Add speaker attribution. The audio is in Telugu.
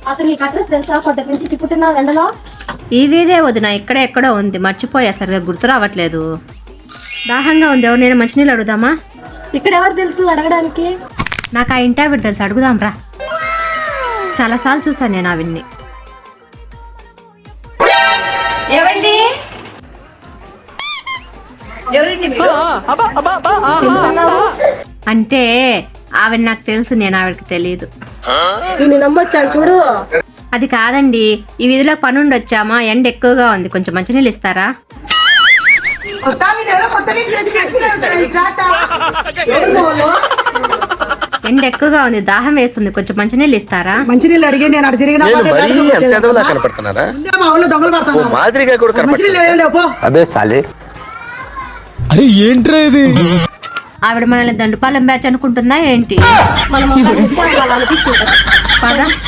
Speaker 1: అసలు నీకు అడ్రస్ తెలుసా? పొద్దు నుంచి తిప్పుతున్నావు ఎండలో.
Speaker 2: ఈ వీధే వదిన ఎక్కడో ఉంది, మర్చిపోయా, సరిగా గుర్తు రావట్లేదు. దాహంగా ఉంది, ఎవరు నేను మంచినీళ్ళు అడుగుదామా?
Speaker 1: ఇక్కడ ఎవరు తెలుసు అడగడానికి?
Speaker 2: నాకు ఆ ఇంటి ఆవిడ తెలుసు, అడుగుదాం రా. చాలాసార్లు చూసాను నేను ఆవిడ్ని.
Speaker 1: ఎవరండి?
Speaker 2: అంటే ఆవిడ నాకు తెలుసు, నేను ఆవిడకి తెలియదు.
Speaker 1: నేను నమ్మొచ్చాను చూడు.
Speaker 2: అది కాదండి, ఈ వీధిలో పనుండి వచ్చామా, ఎండ ఎక్కువగా ఉంది, కొంచెం మంచినీళ్ళు ఇస్తారా? ఎండ ఎక్కువగా ఉంది, దాహం వేస్తుంది, కొంచెం మంచినీళ్ళు ఇస్తారా?
Speaker 3: మంచినీళ్ళు అడిగి నేను అటు తిరిగినా
Speaker 4: అరే ఏంట్రా ఇది?
Speaker 2: ఆవిడ మనల్ని దండుపాలెం బ్యాచ్ అనుకుంటుందా ఏంటి? పద.